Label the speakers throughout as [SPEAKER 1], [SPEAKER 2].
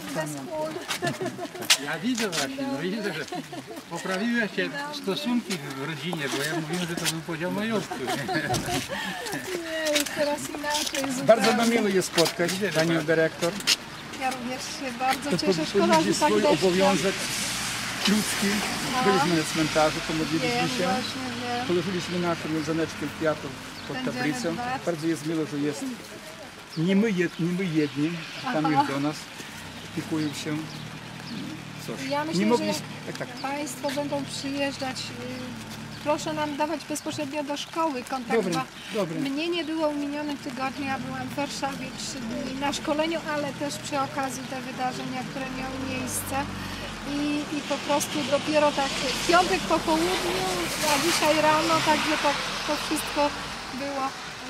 [SPEAKER 1] bez kul.
[SPEAKER 2] Ja widzę właśnie, no widzę, że poprawiły się stosunki w rodzinie, bo ja mówiłem, że to był podział majątku.
[SPEAKER 1] Nie, już teraz inaczej zupełnie.
[SPEAKER 3] Bardzo nam miło jest spotkać panią dyrektor.
[SPEAKER 1] Ja również się bardzo
[SPEAKER 3] To
[SPEAKER 1] cieszę. Szkoda, że tak
[SPEAKER 3] swój
[SPEAKER 1] deszcz.
[SPEAKER 3] obowiązek ludzki. Byliśmy na cmentarzu, pomodliliśmy
[SPEAKER 1] Wiem,
[SPEAKER 3] się.
[SPEAKER 1] właśnie wiem.
[SPEAKER 3] Położyliśmy naszą wiązaneczkę kwiatów pod
[SPEAKER 1] Będziemy
[SPEAKER 3] tablicą.
[SPEAKER 1] dbać.
[SPEAKER 3] Bardzo jest miło, że jest nie my jedni, tam już do nas opiekują się. Cóż,
[SPEAKER 1] Ja myślę,
[SPEAKER 3] nie
[SPEAKER 1] że
[SPEAKER 3] mogliśmy... Tak.
[SPEAKER 1] Państwo będą przyjeżdżać. Proszę nam dawać bezpośrednio do szkoły kontakt.
[SPEAKER 3] Dobre,
[SPEAKER 1] bo
[SPEAKER 3] dobre.
[SPEAKER 1] Mnie nie było w minionym tygodniu, ja byłam w Warszawie 3 dni na szkoleniu, ale też przy okazji te wydarzenia, które miały miejsce. I po prostu dopiero tak w piątek po południu, a dzisiaj rano, także tak to wszystko było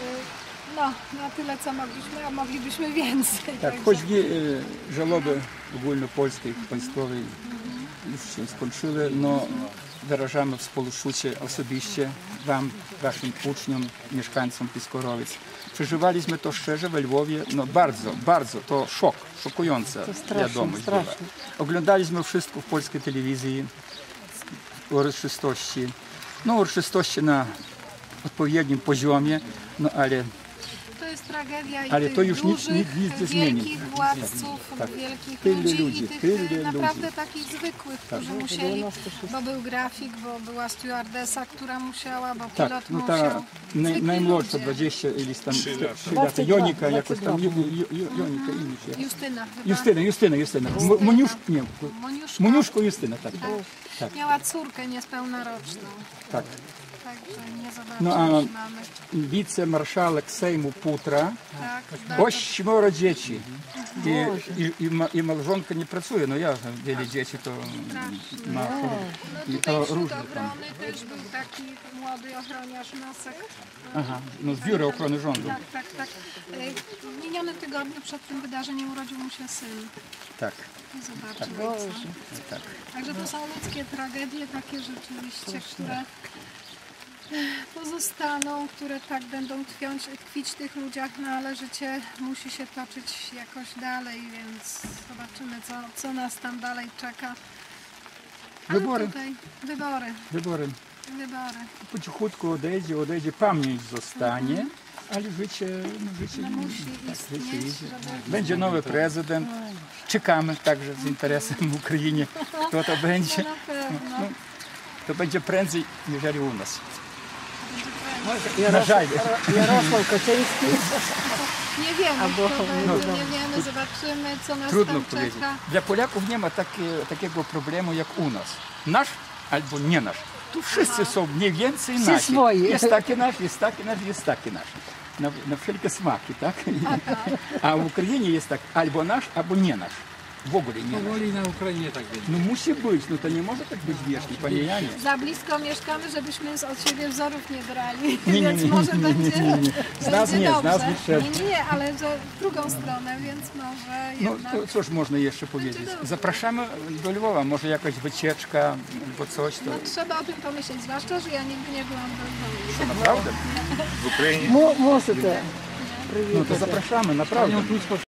[SPEAKER 1] na tyle, co mogliśmy, a moglibyśmy więcej.
[SPEAKER 3] Tak,
[SPEAKER 1] także.
[SPEAKER 3] choć żałoby ogólnopolskiej, państwowej już się skończyły, no wyrażamy współczucie osobiście Wam, Waszym uczniom, mieszkańcom Piskorowic. Przeżywaliśmy to szczerze we Lwowie, no bardzo, to szokująca wiadomość była. Oglądaliśmy wszystko w polskiej telewizji, uroczystości, uroczystości na odpowiednim poziomie, no ale
[SPEAKER 1] To jest tragedia i
[SPEAKER 3] Ale
[SPEAKER 1] tych
[SPEAKER 3] to już nic
[SPEAKER 1] dużych,
[SPEAKER 3] nie zmieni.
[SPEAKER 1] wielkich władców,
[SPEAKER 3] Tak.
[SPEAKER 1] wielkich
[SPEAKER 3] Tyle
[SPEAKER 1] ludzi
[SPEAKER 3] ludzi,
[SPEAKER 1] i tych
[SPEAKER 3] tyle
[SPEAKER 1] naprawdę
[SPEAKER 3] ludzi.
[SPEAKER 1] takich zwykłych, którzy musieli, bo był grafik, bo była stewardesa, która musiała, bo pilot
[SPEAKER 3] tak, no ta
[SPEAKER 1] musiał. Zwykli
[SPEAKER 3] najmłodsza,
[SPEAKER 1] ludzie.
[SPEAKER 3] 20 ili tam 3 lata, Jonika jakoś tam, Jonika imię się.
[SPEAKER 1] Justyna chyba.
[SPEAKER 3] Justyna.
[SPEAKER 1] Moniuszka.
[SPEAKER 3] Moniuszko Justyna, tak. Tak.
[SPEAKER 1] Miała córkę niespełnoroczną,
[SPEAKER 3] Tak.
[SPEAKER 1] także nie
[SPEAKER 3] No a
[SPEAKER 1] zobaczyliśmy mamy.
[SPEAKER 3] wicemarszałek Sejmu Putra,
[SPEAKER 1] Tak,
[SPEAKER 3] 8 dzieci. I małżonka nie pracuje, no ja wiele dzieci to ma i
[SPEAKER 1] Tutaj
[SPEAKER 3] to
[SPEAKER 1] wśród
[SPEAKER 3] różne tam.
[SPEAKER 1] obrony też był taki młody ochroniarz Nosek.
[SPEAKER 3] Aha, no z Biura Ochrony Rządu.
[SPEAKER 1] Tak. W minionym tygodniu przed tym wydarzeniem urodził mu się syn.
[SPEAKER 3] Tak.
[SPEAKER 1] I zobaczył ojca.
[SPEAKER 3] Tak.
[SPEAKER 1] Także to są ludzkie tragedie, takie rzeczywiście, które pozostaną, które tak będą tkwić w tych ludziach, no ale życie musi się toczyć jakoś dalej, więc zobaczymy, co nas tam dalej czeka. Ale
[SPEAKER 3] Wybory.
[SPEAKER 1] Tutaj
[SPEAKER 3] Wybory.
[SPEAKER 1] wybory.
[SPEAKER 3] Po cichutku odejdzie, pamięć zostanie, ale życie
[SPEAKER 1] Musi
[SPEAKER 3] tak,
[SPEAKER 1] istnieć,
[SPEAKER 3] życie idzie.
[SPEAKER 1] żeby...
[SPEAKER 3] Będzie nowy prezydent. Czekamy także z interesem w Ukrainie, kto to będzie.
[SPEAKER 1] Na pewno.
[SPEAKER 3] To będzie prędzej niż u nas.
[SPEAKER 4] Jarosław Kaczyński.
[SPEAKER 1] Nie wiemy, kto będzie, nie wiemy, zobaczymy, co nas
[SPEAKER 3] Trudno
[SPEAKER 1] tam
[SPEAKER 3] powiedzieć.
[SPEAKER 1] czeka.
[SPEAKER 3] Dla Polaków nie ma takiego problemu jak u nas. Nasz albo nie nasz. Tu wszyscy są mniej więcej nasi.
[SPEAKER 4] swoi.
[SPEAKER 3] Jest taki nasz, jest taki nasz. Na wszelkie smaki, tak? A w Ukrainie jest tak albo nasz, albo nie nasz. W ogóle nie nasz.
[SPEAKER 2] Powoli na Ukrainie tak będzie.
[SPEAKER 3] No musi być, no to nie może tak być wiecznie, panie Janie.
[SPEAKER 1] Za blisko mieszkamy, żebyśmy od siebie wzorów nie brali,
[SPEAKER 3] Nie,
[SPEAKER 1] więc może będzie
[SPEAKER 3] Z nas
[SPEAKER 1] będzie
[SPEAKER 3] nie,
[SPEAKER 1] dobrze.
[SPEAKER 3] z nas nie trzeba.
[SPEAKER 1] Nie, ale w drugą stronę, więc może
[SPEAKER 3] No
[SPEAKER 1] jednak...
[SPEAKER 3] to cóż można jeszcze powiedzieć? Zapraszamy do Lwowa, może jakaś wycieczka albo coś. To
[SPEAKER 1] No, trzeba o tym pomyśleć, zwłaszcza, że ja nigdy nie byłam w Lwowie.
[SPEAKER 3] naprawdę.
[SPEAKER 4] Можете.
[SPEAKER 3] No to zapraszamy, naprawdę.